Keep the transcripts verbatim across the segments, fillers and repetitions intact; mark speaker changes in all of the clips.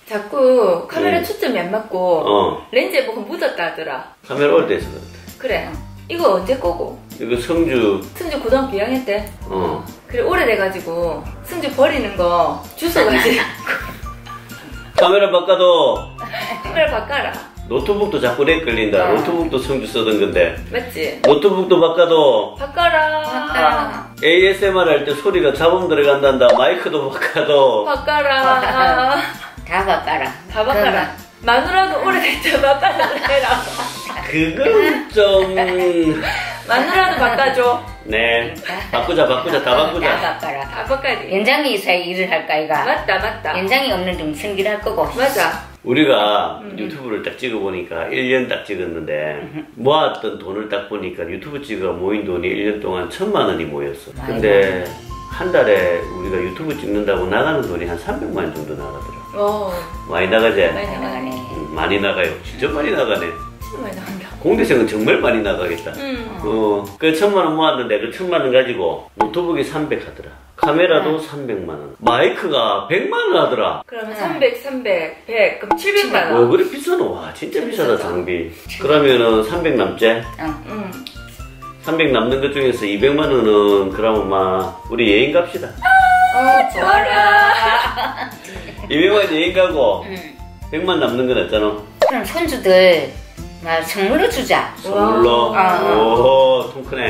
Speaker 1: 자꾸 카메라
Speaker 2: 음.
Speaker 1: 초점이 안 맞고
Speaker 2: 어.
Speaker 1: 렌즈에 뭐가 묻었다 하더라.
Speaker 2: 카메라 오래돼서 그렇다.
Speaker 1: 그래. 이거 언제 거고?
Speaker 2: 이거 성주.
Speaker 1: 승주 고등학교 이 학년 때.
Speaker 2: 어.
Speaker 1: 그래 오래돼가지고 승주 버리는 거 주워가지고
Speaker 2: 카메라 바꿔도
Speaker 1: 카메라 바꿔라.
Speaker 2: 노트북도 자꾸 렉 걸린다.
Speaker 1: 어.
Speaker 2: 노트북도 성주 쓰던 건데.
Speaker 1: 맞지?
Speaker 2: 노트북도 바꿔도
Speaker 1: 바꿔라.
Speaker 3: 바꿔라.
Speaker 2: 에이에스엠알 할 때 소리가 잡음 들어간단다. 마이크도 바꿔도.
Speaker 1: 바꿔라.
Speaker 3: 다 바꿔라.
Speaker 1: 다 바꿔라. 마누라도 오래됐죠. 바꿔라 해라.
Speaker 2: 그건 좀.
Speaker 1: 마누라도 바꿔줘.
Speaker 2: 네. 바꾸자, 바꾸자, 다 바꾸자.
Speaker 3: 다 바꿔라.
Speaker 1: 다 바꿔야 돼.
Speaker 3: 연장이 있어야 일을 할까, 이가?
Speaker 1: 맞다 맞다.
Speaker 3: 연장이 없는 좀 승질할 거고.
Speaker 1: 맞아.
Speaker 2: 우리가
Speaker 1: 음.
Speaker 2: 유튜브를 딱 찍어보니까 일 년 딱 찍었는데 모았던 돈을 딱 보니까 유튜브 찍어 모인 돈이 일 년 동안 천만 원이 모였어. 근데 한 달에 우리가 유튜브 찍는다고 나가는 돈이 한 삼백만 원 정도 나가더라.
Speaker 1: 어.
Speaker 2: 많이 나가지?
Speaker 1: 많이
Speaker 3: 나가네.
Speaker 2: 음, 많이 나가요. 진짜 많이 나가네.
Speaker 1: 진짜 많이 나간다.
Speaker 2: 공대생은 정말 많이 나가겠다.
Speaker 1: 음.
Speaker 2: 어, 그 천만 원 모았는데 그 천만 원 가지고 노트북이 삼백 하더라. 카메라도
Speaker 3: 음.
Speaker 2: 삼백만 원. 마이크가 백만 원 하더라.
Speaker 1: 그러면
Speaker 3: 음.
Speaker 1: 삼백, 삼백, 백, 그럼 칠백만
Speaker 2: 와,
Speaker 1: 원.
Speaker 2: 그래 비싸노? 와, 진짜 비싸다,
Speaker 1: 비싸다.
Speaker 2: 장비. 그러면은 삼백 남지?
Speaker 3: 응.
Speaker 1: 응.
Speaker 2: 삼백 남는 것 중에서 이백만 원은 그러면 막 우리 여행 갑시다.
Speaker 3: 어, 좋아라.
Speaker 2: 이백만 원 여행 가고
Speaker 3: 응.
Speaker 2: 백만 남는 건 없잖아.
Speaker 3: 그럼 손주들 막 선물로 주자.
Speaker 2: 선물로.
Speaker 3: 와.
Speaker 2: 오, 통 크네.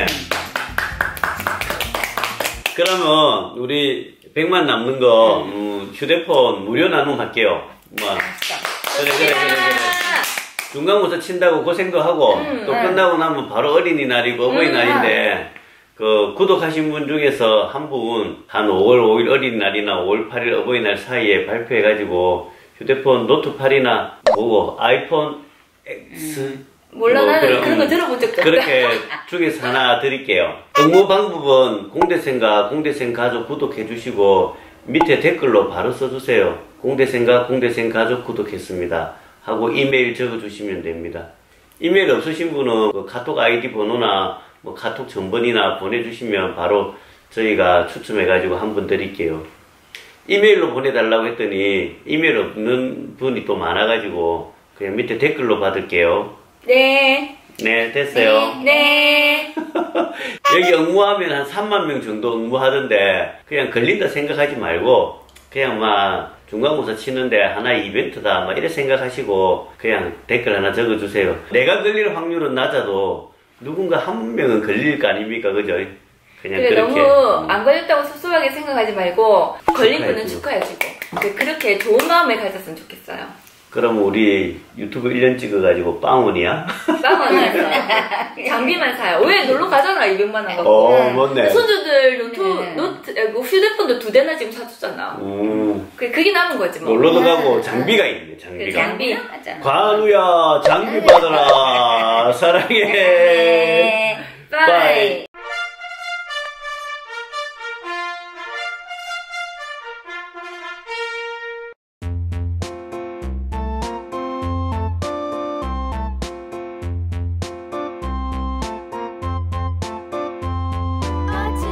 Speaker 2: 그러면 우리 백만 남는 거 음, 휴대폰 무료 나눔 할게요. 뭐 그래 그래 그래 그래. 중간고사 친다고 고생도 하고
Speaker 1: 음,
Speaker 2: 또
Speaker 3: 음.
Speaker 2: 끝나고 나면 바로 어린이날이고 어버이날인데 그 구독하신 분 중에서 한 분 한 오월 오일 어린이날이나 오월 팔일 어버이날 사이에 발표해가지고 휴대폰 노트 팔이나 뭐고 아이폰 X
Speaker 1: 몰라
Speaker 2: 뭐
Speaker 1: 나는
Speaker 2: 그런-
Speaker 1: 그런 거 들어본 적도 없다.
Speaker 2: 그렇게 중에서 하나 드릴게요. 응모 방법은 공대생과 공대생 가족 구독해 주시고 밑에 댓글로 바로 써주세요. 공대생과 공대생 가족 구독했습니다 하고 이메일 적어주시면 됩니다. 이메일 없으신 분은 그 카톡 아이디 번호나 뭐 카톡 전번이나 보내주시면 바로 저희가 추첨해가지고 한 분 드릴게요. 이메일로 보내달라고 했더니 이메일 없는 분이 또 많아가지고 그냥 밑에 댓글로 받을게요.
Speaker 1: 네.
Speaker 2: 네, 됐어요.
Speaker 1: 네.
Speaker 2: 여기 응모하면 한 삼만 명 정도 응모하던데 그냥 걸린다 생각하지 말고 그냥 막 중간고사 치는데 하나의 이벤트다 막 이래 생각하시고 그냥 댓글 하나 적어주세요. 내가 걸릴 확률은 낮아도 누군가 한 명은 걸릴 거 아닙니까? 그죠? 그냥
Speaker 1: 그래
Speaker 2: 그렇게.
Speaker 1: 너무 안 걸렸다고 섭섭하게 생각하지 말고 걸린 분은
Speaker 2: 축하해주고.
Speaker 1: 축하해주고 그- 그렇게 좋은 마음을 가졌으면 좋겠어요.
Speaker 2: 그럼 우리 유튜브 일 년 찍어가지고 빵원이야?
Speaker 1: 빵원에서 장비만 사요. 왜 놀러 가잖아 이백만 원 갖고.
Speaker 2: 어, 맞네.
Speaker 1: 손주들 노트,
Speaker 3: 네.
Speaker 1: 노트, 아, 뭐 휴대폰도 두 대나 지금 사줬잖아.
Speaker 2: 음,
Speaker 1: 그 그게 남은 거지 뭐.
Speaker 2: 놀러도 가고 장비가 있네,
Speaker 1: 그
Speaker 2: 장비가.
Speaker 1: 장비.
Speaker 3: 맞아.
Speaker 2: 관우야, 장비 받아라. 사랑해.
Speaker 3: 네.
Speaker 1: 빠이.